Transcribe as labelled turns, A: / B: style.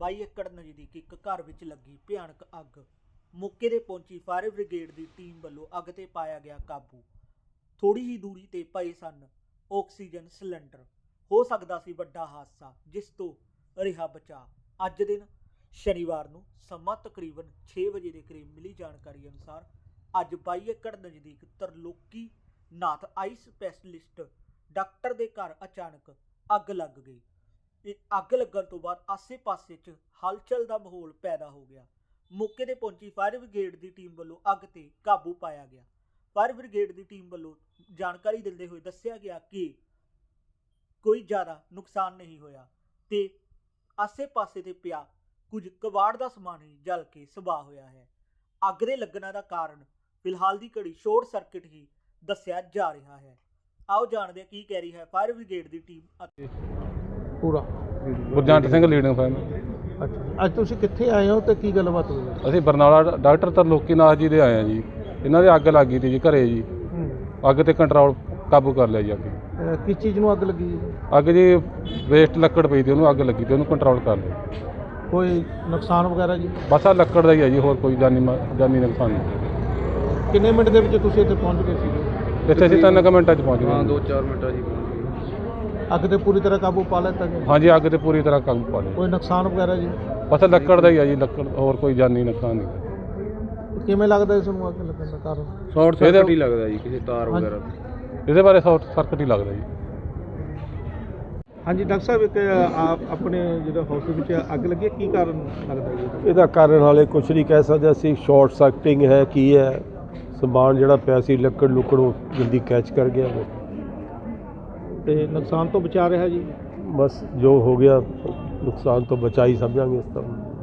A: 22 ਏਕੜ ਨਜ਼ਦੀਕ ਇੱਕ ਘਰ ਵਿੱਚ ਲੱਗੀ ਭਿਆਨਕ ਅੱਗ। ਮੌਕੇ ਤੇ ਪਹੁੰਚੀ ਫਾਇਰ ਬ੍ਰਿਗੇਡ ਦੀ ਟੀਮ ਵੱਲੋਂ ਅੱਗ ਤੇ ਪਾਇਆ ਗਿਆ ਕਾਬੂ। ਥੋੜੀ ਹੀ ਦੂਰੀ ਤੇ ਪਏ ਸਨ ਆਕਸੀਜਨ ਸਿਲੰਡਰ। ਹੋ ਸਕਦਾ ਸੀ ਵੱਡਾ ਹਾਦਸਾ, ਜਿਸ ਤੋਂ ਰਿਹਾ ਬਚਾ। ਅੱਜ ਦਿਨ ਸ਼ਨੀਵਾਰ ਨੂੰ ਸਮਾਂ ਤਕਰੀਬਨ 6 ਵਜੇ ਦੇ ਕਰੀਬ ਮਿਲੀ ਜਾਣਕਾਰੀ ਅਨੁਸਾਰ ਅੱਜ 22 ਏਕੜ ਨਜ਼ਦੀਕ ਤਰਲੋਕੀ ਨਾਥ ਆਈ ਸਪੈਸ਼ਲਿਸਟ ਡਾਕਟਰ ਦੇ ਘਰ ਅਚਾਨਕ ਅੱਗ ਲੱਗ ਗਈ। ਅੱਗ ਲੱਗਣ ਤੋਂ ਬਾਅਦ ਆਸੇ-ਪਾਸੇ 'ਚ ਹਲਚਲ ਦਾ ਮਾਹੌਲ ਪੈਦਾ ਹੋ ਗਿਆ। ਮੌਕੇ ਤੇ ਪਹੁੰਚੀ ਫਾਇਰ ਬ੍ਰਿਗੇਡ ਦੀ ਟੀਮ ਵੱਲੋਂ ਅੱਗ ਤੇ ਕਾਬੂ ਪਾਇਆ ਗਿਆ। ਫਾਇਰ ਬ੍ਰਿਗੇਡ ਦੀ ਟੀਮ ਵੱਲੋਂ ਜਾਣਕਾਰੀ ਦਿੰਦੇ ਹੋਏ ਦੱਸਿਆ ਗਿਆ ਕਿ ਕੋਈ ਜ਼ਿਆਦਾ ਨੁਕਸਾਨ ਨਹੀਂ ਹੋਇਆ ਤੇ ਆਸੇ-ਪਾਸੇ ਤੇ ਪਿਆ ਕੁਝ ਕਬਾੜ ਦਾ ਸਮਾਨ ਹੀ ਜਲ ਕੇ ਸਵਾਹ ਹੋਇਆ ਹੈ। ਅੱਗ ਦੇ ਲੱਗਣ ਦਾ ਕਾਰਨ ਫਿਲਹਾਲ ਦੀ ਘੜੀ ਸ਼ਾਰਟ ਸਰਕਟ ਹੀ ਦੱਸਿਆ ਜਾ ਰਿਹਾ ਹੈ। ਆਓ ਜਾਣਦੇ ਹਾਂ ਕੀ ਕਹਿ ਰਹੀ ਹੈ ਫਾਇਰ ਬ੍ਰਿਗੇਡ ਦੀ ਟੀਮ।
B: ਪੂਰਾ
C: ਗੁਰਜੰਟ ਸਿੰਘ ਲੀਡਿੰਗ ਫੈਮ।
B: ਅੱਛਾ, ਅੱਜ ਤੁਸੀਂ ਕਿੱਥੇ ਆਏ ਹੋ ਤੇ ਕੀ ਗੱਲਬਾਤ ਹੋਈ?
C: ਅਸੀਂ ਬਰਨਾਲਾ ਡਾਕਟਰ ਤਰਲੋਕੀ ਨਾਥ ਜੀ ਦੇ ਆਏ ਹਾਂ ਜੀ। ਇਹਨਾਂ ਦੇ ਅੱਗ ਲੱਗ ਗਈ ਸੀ ਜੀ ਘਰੇ ਜੀ। ਅੱਗ ਤੇ ਕੰਟਰੋਲ ਕਾਬੂ ਕਰ ਲਿਆ ਜੀ। ਅੱਗ
B: ਕਿਸ ਚੀਜ਼ ਨੂੰ ਅੱਗ ਲੱਗੀ ਜੀ?
C: ਅੱਗ ਜੀ ਵੇਸਟ ਲੱਕੜ ਪਈ ਸੀ, ਉਹਨੂੰ ਅੱਗ ਲੱਗੀ ਤੇ ਉਹਨੂੰ ਕੰਟਰੋਲ ਕਰ ਲਿਆ।
B: ਕੋਈ ਨੁਕਸਾਨ ਵਗੈਰਾ ਜੀ?
C: ਬਸ ਆ ਲੱਕੜ ਦਾ ਹੀ ਹੈ ਜੀ, ਹੋਰ ਕੋਈ ਜਾਨੀ ਨੁਕਸਾਨ ਨਹੀਂ।
B: ਕਿੰਨੇ ਮਿੰਟ ਦੇ ਵਿੱਚ ਤੁਸੀਂ ਇੱਥੇ ਪਹੁੰਚ ਗਏ ਸੀ?
C: ਇੱਥੇ ਅਸੀਂ 3 ਮਿੰਟਾਂ 'ਚ ਪਹੁੰਚ ਗਏ।
D: ਹਾਂ 2-4 ਮਿੰਟਾਂ ਜੀ ਪਹੁੰਚ ਗਏ।
B: ਅੱਗ ਤੇ ਪੂਰੀ ਤਰ੍ਹਾਂ ਕਾਬੂ ਪਾ ਲਿਆ ਗਿਆ?
C: ਹਾਂਜੀ, ਅੱਗ ਤੇ ਪੂਰੀ ਤਰ੍ਹਾਂ ਕਾਬੂ ਪਾ ਲਿਆ।
B: ਕੋਈ ਨੁਕਸਾਨ ਵਗੈਰਾ ਜੀ?
C: ਬਸ ਲੱਕੜ ਦਾ ਹੀ ਹੈ ਜੀ, ਲੱਕੜ, ਹੋਰ ਕੋਈ ਜਾਨੀ ਨੁਕਸਾਨ ਨਹੀਂ।
B: ਕਿਵੇਂ ਲੱਗਦਾ ਇਸ ਨੂੰ ਅੱਗ ਲੱਗਣ ਦਾ ਕਾਰਨ?
D: ਸ਼ਾਰਟ ਸਰਕਟ ਹੀ ਲੱਗਦਾ ਜੀ, ਕਿਸੇ ਤਾਰ ਵਗੈਰਾ।
C: ਇਹਦੇ ਬਾਰੇ ਸ਼ਾਰਟ ਸਰਕਟ ਹੀ ਲੱਗਦਾ ਜੀ।
B: ਹਾਂਜੀ ਡਾਕਟਰ ਸਾਹਿਬ, ਇੱਕ ਆਪਣੇ ਜਿਹੜਾ ਹਸਪਤਾਲ ਵਿੱਚ ਅੱਗ ਲੱਗੀ, ਕੀ ਕਾਰਨ ਲੱਗਦਾ ਜੀ?
E: ਇਹਦਾ ਕਾਰਨ ਹਾਲੇ ਕੁਝ ਨਹੀਂ ਕਹਿ ਸਕਦੇ ਅਸੀਂ। ਸ਼ਾਰਟ ਸਰਕਟਿੰਗ ਹੈ, ਕੀ ਹੈ, ਸਮਾਨ ਜਿਹੜਾ ਪਿਆ ਸੀ ਲੱਕੜ ਲੁੱਕੜ ਉਹ ਜਲਦੀ ਕੈਚ ਕਰ ਗਿਆ
B: ਤੇ ਨੁਕਸਾਨ ਤੋਂ ਬਚਾ ਰਿਹਾ ਜੀ?
E: ਬਸ ਜੋ ਹੋ ਗਿਆ ਨੁਕਸਾਨ ਤੋਂ ਬਚਾ ਹੀ ਸਮਝਾਂਗੇ ਇਸ ਤਰ੍ਹਾਂ।